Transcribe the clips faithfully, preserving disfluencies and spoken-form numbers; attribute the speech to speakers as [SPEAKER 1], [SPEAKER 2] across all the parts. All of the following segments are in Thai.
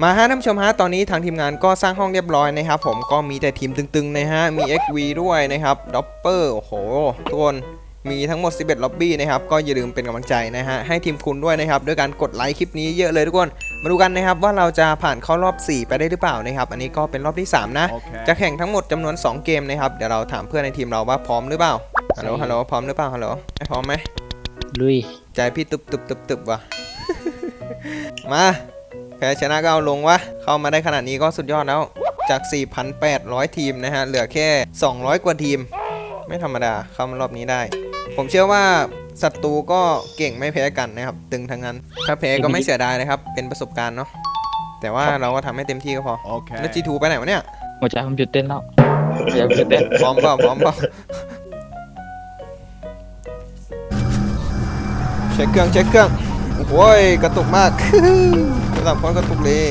[SPEAKER 1] มาฮะท่านผู้ชมฮะตอนนี้ทางทีมงานก็สร้างห้องเรียบร้อยนะครับผมก็มีแต่ทีมตึงๆนะฮะมี เอ็กซ์ วี ด้วยนะครับด็อปเปอร์โอ้โหทุกคนมีทั้งหมดสิบเอ็ดล็อบบี้นะครับก็อย่าลืมเป็นกำลังใจนะฮะให้ทีมคุณด้วยนะครับด้วยการกดไลค์คลิปนี้เยอะเลยทุกคนมาดูกันนะครับว่าเราจะผ่านเข้ารอบสี่ไปได้หรือเปล่านะครับอันนี้ก็เป็นรอบที่สามนะ okay. จะแข่งทั้งหมดจำนวนสองเกมนะครับเดี๋ยวเราถามเพื่อนในทีมเราว่าพร้อมหรือเปล่าฮัลโหลฮัลโหลพร้อมหรือเปล่าฮัลโหลพร้อมไหม
[SPEAKER 2] ลุย
[SPEAKER 1] ใจพี่ตึบตึบตึบตึบว่ะ มาแพ้ชนะก็เอาลงวะเข้ามาได้ขนาดนี้ก็สุดยอดแล้วจาก สี่พันแปดร้อย ทีมนะฮะเหลือแค่สองร้อยกว่าทีมไม่ธรรมดาเข้ามารอบนี้ได้ผมเชื่อว่าศัตรูก็เก่งไม่แพ้กันนะครับตึงทั้งนั้นถ้าแพ้ก็ไม่เสียดายนะครับเป็นประสบการณ์เนาะแต่ว่าเราก็ทำให้เต็มที่ก็พอ okay. แล้ว จี ทู ไปไหนวะเนี่ย
[SPEAKER 2] หัวใจผมหยุดเต้นแล้วหัวใจผมหยุดเต้น
[SPEAKER 1] พร้อมเปล่าพร้อมเปล่าเช็คเครื่องเช็คเครื่องโอ้ยกระตุกมากระดับความกระตุกเลย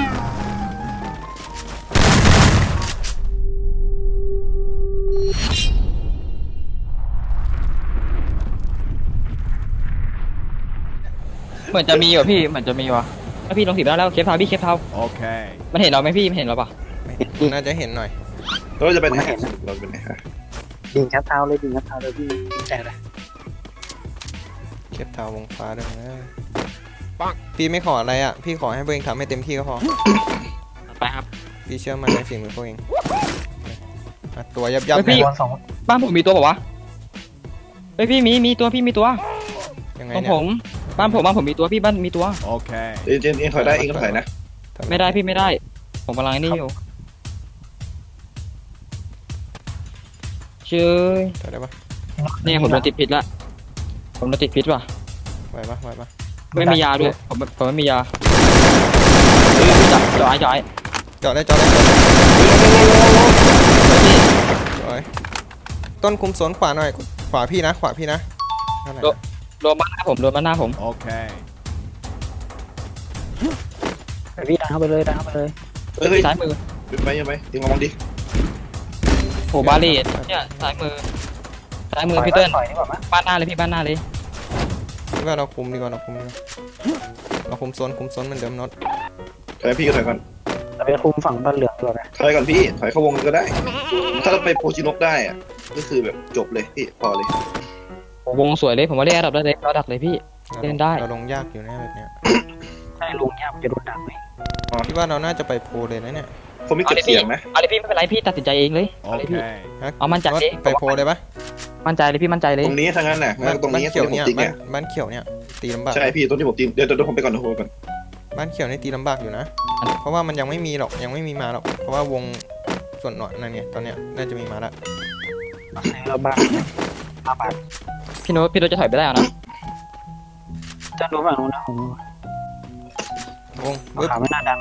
[SPEAKER 2] เหมือนจะมีว่ะพี่เหมือนจะมีว่ะถ้าพี่ลงสิบได้แล้วเคฟเท้าพี่เคฟเท้าโอเคมันเห็นเราไหมพี่มันเห็นเราปะ
[SPEAKER 1] น่าจะเห็นหน่อย
[SPEAKER 3] เราจะเป็นไหนเราเป็นไหนฮะ
[SPEAKER 4] ดิ่งเคฟเท้าเลยดิ่งเคฟเท้าเลยพี่แต่ละ
[SPEAKER 1] เคฟเท้าวงฟ้าด้วยนะพี่ไม่ขออะไรอ่ะพี่ขอให้พวกเองทำให้เต็มที่ก็พอ
[SPEAKER 2] ไปครับ
[SPEAKER 1] พี่เชื่อมันในฝีมือพวกเองตัวยับยับ
[SPEAKER 2] พี่บ้านผมมีตัวบอกว่าเฮ้ยพี่มีมีตัวพี่มีตัว
[SPEAKER 1] ยังไง
[SPEAKER 2] เนี่ยผมบ้านผมบ้านผมมีตัวพี่บ้านมีตัว
[SPEAKER 3] โอเคเอ็นเอ็นถอยได้เอ็นก็ถอยนะ
[SPEAKER 2] ไม่ได้พี่ไม่ได้ผมกำลังนี่อยู่เชื่อ
[SPEAKER 1] ถอยได้ปะ
[SPEAKER 2] เนี่ยผมโดนติดพิษละผมโดนติดพิษว่ะ
[SPEAKER 1] ไหวปะไหวปะ
[SPEAKER 2] ไม่มียาด้วยผมผมไม่มียาจับจ่อยจ่อย
[SPEAKER 1] จ่อได้จ่อได้จ่อยต้นคุมสวนขวาหน่อยขวาพี่นะขวาพี่นะ
[SPEAKER 2] โดนบ้านหน้าผมโดนบ้านหน้าผม
[SPEAKER 3] โอเค
[SPEAKER 4] ไปพี่ดันเข้าไปเลยดันเข้าไปเลย
[SPEAKER 3] เฮ้ยซ้ายมือเป็นไปยังไงยิงมองดิ
[SPEAKER 2] โอ้บาลีเนี่ยซ้ายมือซ้ายมือพี่เติ้ลบ้านหน้าเลยพี่บ้านหน้าเลย
[SPEAKER 1] พี่ว่าเราคุมดีกว่าเราคุมดีกว่าเราคุมโซนคุมโซนเหมือนเดิมน็อต
[SPEAKER 3] ถอยพี่ก็ถอยก่อน
[SPEAKER 4] เราไปคุมฝั่งบ้านเหลืองดีกว่า
[SPEAKER 3] ถอยก่อนพี่ถอยเข้าวงก็ได้ถ้าเราไปโพชินกได้อะก็คือแบบจบเลยพี่พอเล
[SPEAKER 2] ยวงสวยเลยผมว่าเล่นระดับได้เลยระดับเลยพี่เล่นได้
[SPEAKER 1] เราลงยากอยู่นะแบบเนี้ย
[SPEAKER 4] ใช่ลงยากจะโดนดักไหม
[SPEAKER 1] พี่ว่าเราน่าจะไปโพเลยนะเนี่ย
[SPEAKER 3] ผมไม่เก็บเสียงนะ
[SPEAKER 2] เอาเลยพี่ไม่เป็นไรพี่ตัดสินใจเองเลยเอาเลยพี่เอามั่นใจ
[SPEAKER 1] ไปโพเลยปะ
[SPEAKER 2] มั่นใจเลยพี่มั่นใจเลย
[SPEAKER 3] ตรงนี้ทางนั้นน่ะตรงนี้
[SPEAKER 1] เขียวเนี่ยบ้านเขียวเนี่ยตีลำบาก
[SPEAKER 3] ใช่พี่ตรงที่ผมตีเดี๋ยวเดี๋ยวผมไปก่อนนะผมไปก่อน
[SPEAKER 1] บ้านเขียวนี่ตีลำบากอยู่นะเพราะว่ามันยังไม่มีหรอกยังไม่มีมาหรอกเพราะว่าวงส่วนหน่อยนั่นไงตอนเนี้ยน่าจะมีมาแล้ว
[SPEAKER 4] เราบ้านมาบ้าน
[SPEAKER 2] พี่โน้ตพี่โน้ตจะถอยไปได้นะ
[SPEAKER 4] จะดูฝั่งนู้นนะผม
[SPEAKER 1] วง
[SPEAKER 4] ขาไม่น่าดัน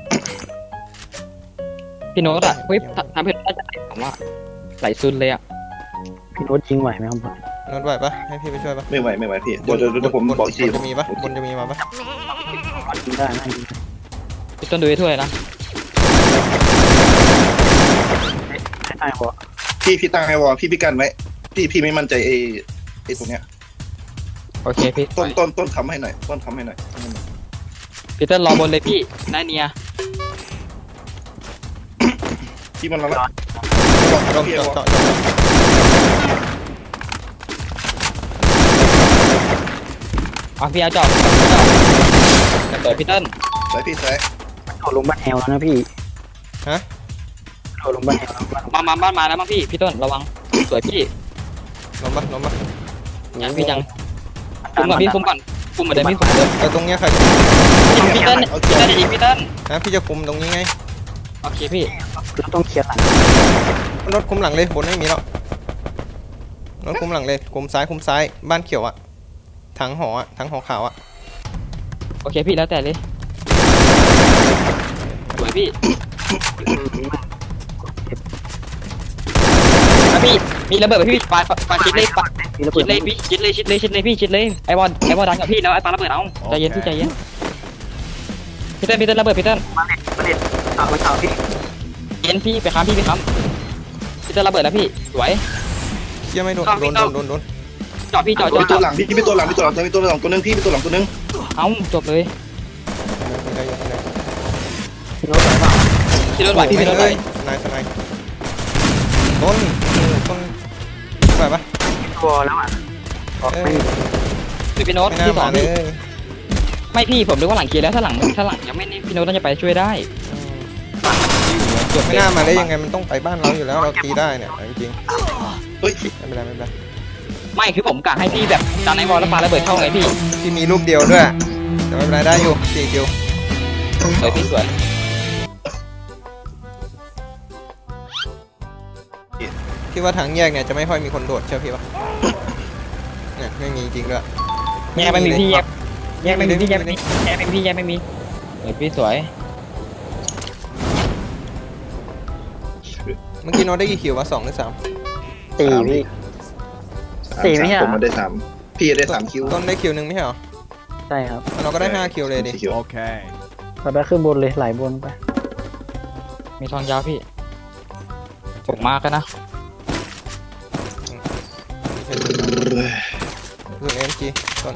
[SPEAKER 2] พี่โน้ตอะเฮ้ยทำให้น่าจะไหลผมว่าไหลซุนเลยอะ
[SPEAKER 4] พี่โน้ตยิงไหวไหมครับผม
[SPEAKER 1] โน้ตไหวปะให้พี่ไปช่วยปะ
[SPEAKER 3] ไม่ไหวไม่ไหวพี่เดี๋ยวเดี๋ยวผมบอกที
[SPEAKER 1] จะมีปะบนจะมีมาปะ
[SPEAKER 4] ยิงได้นะ
[SPEAKER 2] พี่ต้นดูให้ถ้วยนะ
[SPEAKER 4] ไอ้หัว
[SPEAKER 3] พี่พี่ตั้งไอ้วอพี่พี่กันไว้พี่พี่ไม่มั่นใจไอ้ไอ้ตรงเนี้ย
[SPEAKER 2] โอเคพี่
[SPEAKER 3] ต้นต้นต้นทำให้หน่อยต้นทำให้หน่อย
[SPEAKER 2] พี่ต้นรอบนเลยพี่ได้เนีย
[SPEAKER 3] พี่มันมาแล้ว
[SPEAKER 1] ต้องพี่เอา
[SPEAKER 2] อ่ะพี่เอาจอบจะเปิดพี่ต้น
[SPEAKER 3] ใส่พี่ใส่
[SPEAKER 4] โดดลงบ้านแอลแล้วนะพี่
[SPEAKER 1] ฮะ
[SPEAKER 4] โดดลงบ้านแอล
[SPEAKER 2] มามาบ้านมาแล้วมั้งพี่พี่ต้นระวังสวยพี่
[SPEAKER 1] ลงมาลงมา
[SPEAKER 2] ยังพี่ยังคุมก่อนพี่คุมก่อนคุมเหมือนเดิมพี่คุมเดิม
[SPEAKER 1] แต่ตรงเนี้ยใคร
[SPEAKER 2] พี่ต้นพี่ต้นอีกพี่ต้น
[SPEAKER 1] นะพี่จะคุมตรงนี้ไง
[SPEAKER 2] โอเคพี่
[SPEAKER 4] เราต้องเคลียร์หลัง
[SPEAKER 1] รถคุมหลังเลยบนไม่มีแล้วรถคุมหลังเลยคุมซ้ายคุมซ้ายบ้านเขียวอะถังหออะถังหอขาวอะ
[SPEAKER 2] โอเคพี่แล้วแต่เลยสวยพี่พี่มีระเบิดไปพี่ปาปาชิดเลยปาชิดเลยพี่ชิดเลยชิดเลยชิดเลยพี่ชิดเลยไอ้บอลไอ้บอลดังกับพี่แล้วไอ้ปาระเบิดเอาใจเย็นพี่ใจเย็นพี่เต้นพี่เต้นระเบิดพี่เต้น
[SPEAKER 4] มาเด็ดมาเด็ดเอาไปเอาพี่
[SPEAKER 2] เย็นพี่ไปค้ำพี่ไปค้ำพี่เต้นระเบิดแล้วพี่สวย
[SPEAKER 1] เชี่ยไม่โดนโดนโดนโดนโดน
[SPEAKER 2] จอดพี่จอดจอด
[SPEAKER 3] ตัวหลังพี่พี่ตัวหลังพี่ตัวหลังตัวหลังตัวนึงพี่พี่ตัวหลังตัวนึง
[SPEAKER 2] เอ้าจบเลย
[SPEAKER 4] พี่โน้ตไหวเปล่า
[SPEAKER 2] พี่โดนไหวพี่โดนไหว
[SPEAKER 1] สไนด์สไนด์ต้นต้นไหวปะ
[SPEAKER 4] ตัวแล้วอ่ะออกไม่
[SPEAKER 2] หรือพี่โน้ต
[SPEAKER 1] ไม่น่า
[SPEAKER 2] ที่สอ
[SPEAKER 1] มาง เล
[SPEAKER 2] พี่
[SPEAKER 1] ย
[SPEAKER 2] ไม่พี่ผมนึกว่าหลังเคลียร์แล้วถ้าหลังถ้าหลังยังไม่นี่พี่โน้ตน่าจะไปช่วยได้หลังมันอยู่อะจบ
[SPEAKER 1] ไม่น่ามาได้ยังไงมันต้องไปบ้านเราอยู่แล้วเราตีได้เนี่ยจริง
[SPEAKER 3] เฮ้ย
[SPEAKER 1] ๆไม่เป็นไรไม่เป็นไร
[SPEAKER 2] ไม่คือผมกะให้พี่แบบตอนไอ้บอลแล้วปาระเบิดเข้าไงพี่
[SPEAKER 1] ที่มีรูปเดียวด้วยแต่ไม่เป็นไรได้อยู่สี่คิว
[SPEAKER 2] สวยพี่สวย
[SPEAKER 1] คิดว่าทางแยกเนี่ยจะไม่ค่อยมีคนโดดเชื่อพี่ปะเนี่ยไม่มีจริงด้วย
[SPEAKER 2] แยกไม่มีพี่แยกแยกไม่มีพี่แยกไม่มีแยกไม่มีพี่แยกไม่มีสวยพี่สวย
[SPEAKER 1] เมื่อกี้โน้ตได้กี่คิววะสองหรือสาม
[SPEAKER 4] สี่พี่ สี่ไม่ใช่เหรอ
[SPEAKER 3] ผมมาได้สามพี่ได้สามคิว
[SPEAKER 1] ต้นได้คิวหนึ่งไม่ใช่เหรอ
[SPEAKER 4] ใช่ครับ
[SPEAKER 1] เราก็ได้ห้าคิวเลยดิ
[SPEAKER 3] สี่คิว
[SPEAKER 5] Okay.
[SPEAKER 4] เราไปขึ้นบนเลยไหลบนไป
[SPEAKER 2] มีทองยาวพี่ผมมากกันนะ
[SPEAKER 1] ส่วนเอ็มจีต้น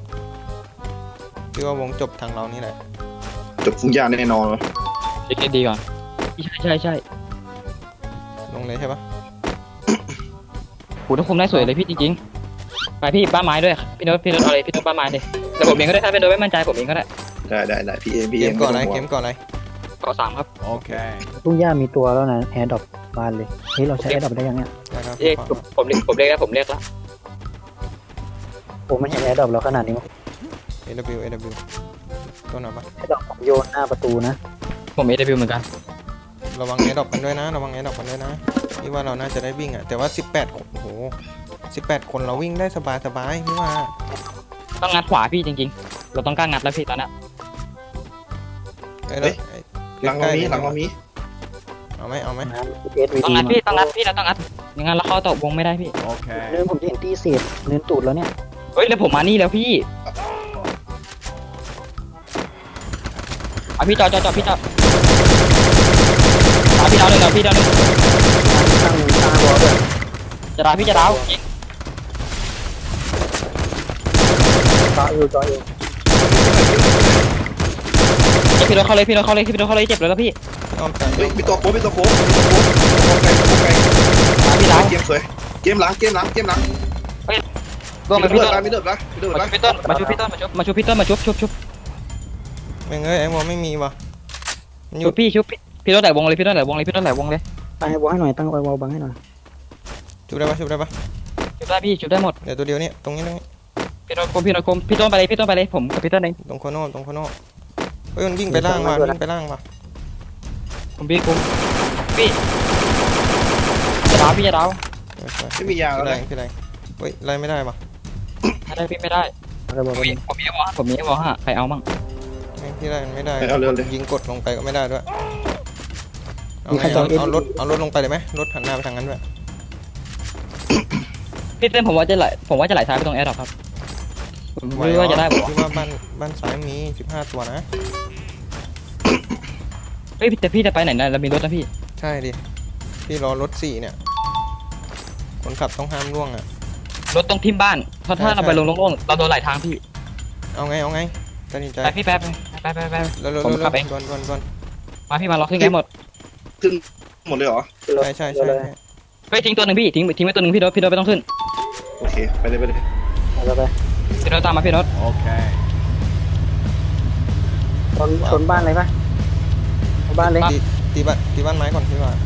[SPEAKER 1] พี่ว่าวงจบทางเรานี่แหละ
[SPEAKER 3] จบฟุ้งยาแน่นอนวะ
[SPEAKER 2] เช็คดีก่อนใช่ใช่ใช่
[SPEAKER 1] ลงเลยใช่ปะ
[SPEAKER 2] โหต้องคุมได้สวยเลยพี่จริงๆไปพี่บ้านไม้ด้วยพี่โน้ตพี่โน้ตเอาเลยพี่โน้ตบ้านไม้เลยแต่ผมเองก็ได้ถ้าเป็นโดยไม่มั่นใจผมเองก็ได้
[SPEAKER 3] ได้ได้ได้พี่เองพี่
[SPEAKER 1] เก
[SPEAKER 3] เอ
[SPEAKER 1] ม
[SPEAKER 3] ง
[SPEAKER 1] ก่อนอะไร
[SPEAKER 3] ม่ต้ง
[SPEAKER 1] เก
[SPEAKER 3] ห่วง
[SPEAKER 1] มก่อนอะไร
[SPEAKER 2] เกาะสามครับ
[SPEAKER 5] Okay.
[SPEAKER 4] ทุ่งหญ้ามีตัวแล้วนะแอร์ดรอปบานเลยเฮ้ยเราใช้แอร์ดรอปได้ยังเนี่ย
[SPEAKER 1] นะครับ
[SPEAKER 2] เอ๊ะผมผมเรียกผมเรียกแล้วผมเรียกแล้ว
[SPEAKER 4] โอ้มันเห็นแอร์ดรอปเราขนาดนี้มั้ง
[SPEAKER 1] เอ ว เอ ว ต้นเอาปะ
[SPEAKER 4] แอร์ดรอปผมโยนหน้าประตูนะ
[SPEAKER 2] ผมเอเดบิวเหมือนกัน
[SPEAKER 1] ระวังแอร์ดรอปกันด้วยนะระวังแอร์ดรอปกันด้วยนะพี่ว่าเราน่าจะได้วิ่งอ่ะแต่ว่าสิบแปดคนโอ้โหสิบแปดคนเราวิ่งได้สบายสบายพี่ว่า
[SPEAKER 2] ต้องงัดขวาพี่จริงๆ เราต้องกล้างัดแล้วพี่ตอนนี้
[SPEAKER 1] เอ้ยแล้วไอ้
[SPEAKER 3] หลังเรามีหลังเรามี
[SPEAKER 1] เอาไหมเอาไหม
[SPEAKER 4] นะเอสวี
[SPEAKER 2] ต้อง
[SPEAKER 4] ดี
[SPEAKER 2] งัดพี่ต้องงัดพี่เราต้องงัดอย่างงั้นเราเข้าตกวงไม่ได้พี่
[SPEAKER 5] Okay.
[SPEAKER 4] เนินผมจะเห็นตีเศษเนินตูดแล้วเนี่ย
[SPEAKER 2] เฮ้ยแล้วผมมานี่แล้วพี่เอาพี่จอดจอดจอดพี่จอดเอาพี่ดาวหนึ่งเอาพี่ดาวหนึ่ง
[SPEAKER 4] ตั้งตั้งวอลด้วย
[SPEAKER 2] จะดาวพี่จะดาวยิง
[SPEAKER 4] จอเอวจอเอว
[SPEAKER 2] เจ็บพี่โดนเข้าเลยพี่โดนเข้าเลยพี่โดนเข้าเลยเจ็บเลยแล้วพี่
[SPEAKER 1] อ้อมไป
[SPEAKER 3] เฮ้ยมีตัวโค้งมีตัวโค้งมีตัวโค้งตัวโค้งไกลตัวโค้งไกล
[SPEAKER 2] เอาพี่ดาว
[SPEAKER 3] เกมสวยเกมหลังเกมหลังเกมหลัง
[SPEAKER 2] ร่วงไป
[SPEAKER 3] มี
[SPEAKER 2] พี่
[SPEAKER 3] เลือ
[SPEAKER 2] ต้
[SPEAKER 3] ด
[SPEAKER 2] น
[SPEAKER 3] นะมีเลือดนะมีเลือด
[SPEAKER 2] มา
[SPEAKER 3] นะ
[SPEAKER 2] ชุบพี่ต้นมาชุบพี่ต้นมาชุบมาชุบพี่ต้นมาชุบชุบชุบ
[SPEAKER 1] แม่งเอ้ยไอ้วอลไม่มีว่ะมันอ
[SPEAKER 2] ชุ
[SPEAKER 1] ยู่
[SPEAKER 2] บพี่ชุบพี่พี่ต้นไหลวงเลยพี่ต้นไหลวงเลยพี่ต้นไหลวงเลย
[SPEAKER 4] ตั้งไอ้วอลให้หน่อยตั้งไอ้วอลบังให้หน่อย
[SPEAKER 1] ชุบได้ปะชุบได้ปะ
[SPEAKER 2] ชุบได้พี่ชุบได้หมด
[SPEAKER 1] เดี๋ยวตัวเดียวนี่ตรงนี้ตรงนี้
[SPEAKER 2] พี่ต้นกลมพี่ต้นกลมพี่ต้นไปเลยพี่ต้นไปเลยผมกับพี่ต้นเอง
[SPEAKER 1] ตรงโคโน่ตรงโคโน่เฮ้ยมันวิ่งไปล่างว่ะวิ่งไปล่างว่ะ
[SPEAKER 2] ผมพี่กลมพี่จะดาวพี่จะดาว
[SPEAKER 1] เออสวย
[SPEAKER 3] ไม่มียา
[SPEAKER 1] พี่
[SPEAKER 3] แล้ว
[SPEAKER 1] แร
[SPEAKER 3] นะ
[SPEAKER 1] งพี่แรงเฮ้ยไล่ไม่ได้ว่ะ
[SPEAKER 2] ไม่ได้พี่ไม่ได้
[SPEAKER 4] ไอ้วอล
[SPEAKER 2] ผมมีผมมีวอผมมีวอฮะใครเอามั่ง
[SPEAKER 1] แม่งพี่ไล่มันไม่ได้
[SPEAKER 3] เอาเร็วเลย
[SPEAKER 1] ยิงกดลงไปก็ไม่ได้ด้วยเอาไงเอาเอารถเอารถลงไปเลยไหมรถหันหน้าไปทางนั้นด้วย
[SPEAKER 2] พี่เต้นผมว่าจะไหลผมว่าจะไหลซ้ายไปตรงแอร์ดรอปครับผมไม่รู้ว่าจะได้ผม
[SPEAKER 1] พี่ว่าบ้านบ้านซ้ายมีสิบห้าตัวนะ
[SPEAKER 2] เฮ้ยแต่พี่จะไปไหนนะเรามีรถนะพี่
[SPEAKER 1] ใช่ดิพี่รอรถสี่เนี่ยคนขับต้องห้ามล่วงอ่ะ
[SPEAKER 2] รถตรงทิมบ้านเพราะถ้าเราไปลงโล่งๆเราโดนไหลทางพี่
[SPEAKER 1] เอาไงเอาไงตัดสินใจ
[SPEAKER 2] ไปพี่แป๊บไปไปไป
[SPEAKER 1] เร็วเร็ว
[SPEAKER 2] ผม
[SPEAKER 1] เร็ว
[SPEAKER 2] ขับเอง
[SPEAKER 1] ดวนดวนดวน
[SPEAKER 2] มาพี่มาล็อกขึ้นกันหมด
[SPEAKER 3] ขึ้นหมดเลยเหรอ
[SPEAKER 1] ใช่ใช่ใช่ใช่
[SPEAKER 2] เฮ้ยทิ้งตัวหนึ่งพี่ทิ้งทิ้งไว้ตัวหนึ่งพี่โดพี่โดไม่ต้องขึ้น
[SPEAKER 3] โอเคไปเลยไปเลย
[SPEAKER 4] เอาไป
[SPEAKER 2] พี่โดตามมาพี่โด
[SPEAKER 5] Okay.
[SPEAKER 4] ชนชนบ้านเลยปะเอาบ้านเลย
[SPEAKER 1] ตีตีบ้านตีบ้านไม้ก่อนพี่ว่า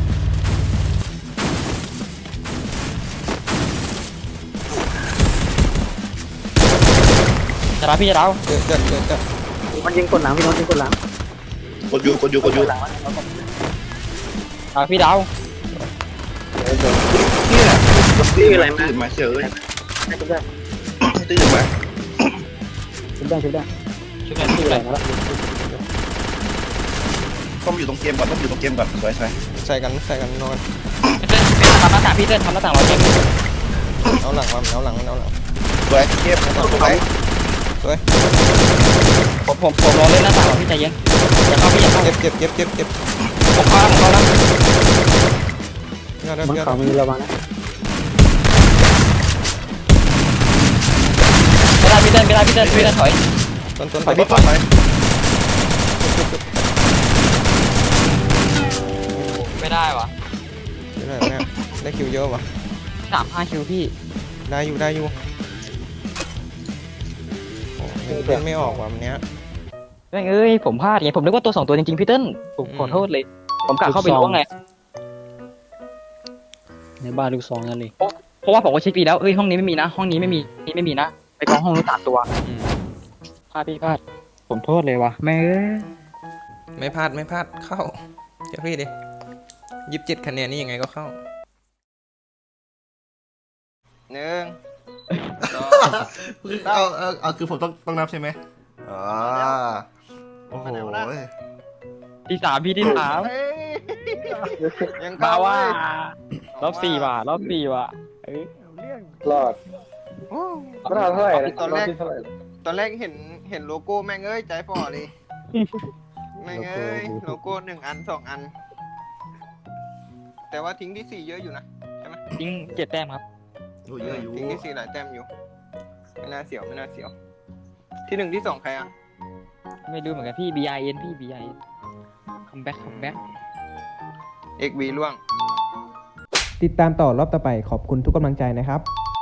[SPEAKER 2] จะดาวพี่จะดาว
[SPEAKER 1] เจอเจอเจอเจอ
[SPEAKER 4] มันยิงกดหลังพี่โน้ตยิงกดหลัง
[SPEAKER 3] กดอยู่กดอยู่กดอยู่
[SPEAKER 4] หลังวะ
[SPEAKER 2] ดาวพี่ดาว
[SPEAKER 3] นี่แหละตื่นมาตื่นมาเฉย
[SPEAKER 4] ได้ชุบได้
[SPEAKER 3] ตื่นมา
[SPEAKER 4] ชุบได้ชุบได้
[SPEAKER 2] ชุบหน่อย
[SPEAKER 4] ชุ
[SPEAKER 2] ชุ
[SPEAKER 4] บบ
[SPEAKER 2] ห
[SPEAKER 4] ได้
[SPEAKER 2] น่อย
[SPEAKER 4] มาแล้ว
[SPEAKER 3] ต้องอยู่ตรงเกมก่อนต้องอยู่ตรงเกมก่อนสวยสวย
[SPEAKER 1] ใส่กันใส่กันนอน
[SPEAKER 2] พี่เต้นทำหน้าต่างพี่เต้นทำหน้าต่างเราเจ็บ
[SPEAKER 1] เอาหลังมาเอาหลังเอาหลัง
[SPEAKER 3] สวยเกมตรงไหน
[SPEAKER 2] ผมผมผมรอเล่นหน้าต่างเราพี่ใจเย็นอย่าเข้าพี่อย่าเข้า
[SPEAKER 1] เจ็บเจ็บเจ็บเจ็บเจ็บ
[SPEAKER 2] ผมเข้าผมเข้าแล้ว
[SPEAKER 1] พี่เอาได้
[SPEAKER 4] บน
[SPEAKER 1] พี่เอา
[SPEAKER 4] เขา
[SPEAKER 1] ได้
[SPEAKER 4] มีระวังนะ
[SPEAKER 2] ไม่ได้พี่เต้นไม่ได้พี่เต้นพี่เต้นถอย
[SPEAKER 1] ต้นต้น
[SPEAKER 3] ไป
[SPEAKER 1] ไป
[SPEAKER 3] ไปไป
[SPEAKER 2] ได้วะ
[SPEAKER 1] เดี๋ยวหน่อยเนี่ยได้คิวเยอะวะ
[SPEAKER 2] สามห้าคิวพี่
[SPEAKER 1] ได้อยู่ได้อยู่โอ้ยังเล่นไม่ออกว่ะวันเนี้ย
[SPEAKER 2] แม่งเอ้ยผมพลาดไงผมนึกว่าตัวสองตัวจริงๆพี่เติ้ลผมขอโทษเลย ผมกะเข้าไปล้วงไง
[SPEAKER 4] ในบ้านลูกซองนั่นเลย
[SPEAKER 2] เพราะว่าผมก็เช็คปีแล้วเอ้ยห้องนี้ไม่มีนะ ห้องนี้ไม่มีนี่ไม่มีนะไปกองห้องนู้นสามตัว
[SPEAKER 1] อืม
[SPEAKER 2] พลาดพี่พลาดผมโทษเลยวะแม่งเอ้ย
[SPEAKER 1] ไม่พลาดไม่พลาดเข้าเจ้าพี่ดิยี่สิบเจ็ดคะแนนนี่ยังไงก็เข้าหนึ่งสอง
[SPEAKER 5] เอาเอาเอาคือผมต้องต้องนับใช่ไหมอ๋อโอ้โห
[SPEAKER 2] ที่สามพี่ที่สาม
[SPEAKER 1] เฮ้ยยัง
[SPEAKER 2] มา
[SPEAKER 1] เข้า
[SPEAKER 2] ว่า
[SPEAKER 1] เว้ย
[SPEAKER 2] รอบสี่ว่ะรอบสี่ว่ะเอ้ย
[SPEAKER 6] รอด
[SPEAKER 1] โอ้
[SPEAKER 6] ก็ได้เท่าไหร่นะ
[SPEAKER 1] ตอนแรก
[SPEAKER 6] บที่เท่าไหร่
[SPEAKER 1] ตอนแรกเห็นเห็นโลโก้แม่งเอ้ยใจฝ่อเลยแม่งเอ้ยโลโก้หนึ่งอันสองอัน แต่ว่าทิ้งที่สี่เยอะอยู่นะ
[SPEAKER 2] ทิ้งเจ็ดแต้มครับ
[SPEAKER 5] โอ้ยเยอะอยู่
[SPEAKER 1] ทิ้งที่สี่หลายแต้มอยู่ ไม่น่าเสียวไม่น่าเสียว ที่หนึ่งที่สองใครอ่ะ
[SPEAKER 2] ไม่รู้เหมือนกันพี่ B I N พี่ B I N คัมแบ็คคัมแบ็ค
[SPEAKER 1] เอ็กซ์ วี ล่วง ติดตามต่อรอบต่อไปขอบคุณทุกกำลังใจนะครับ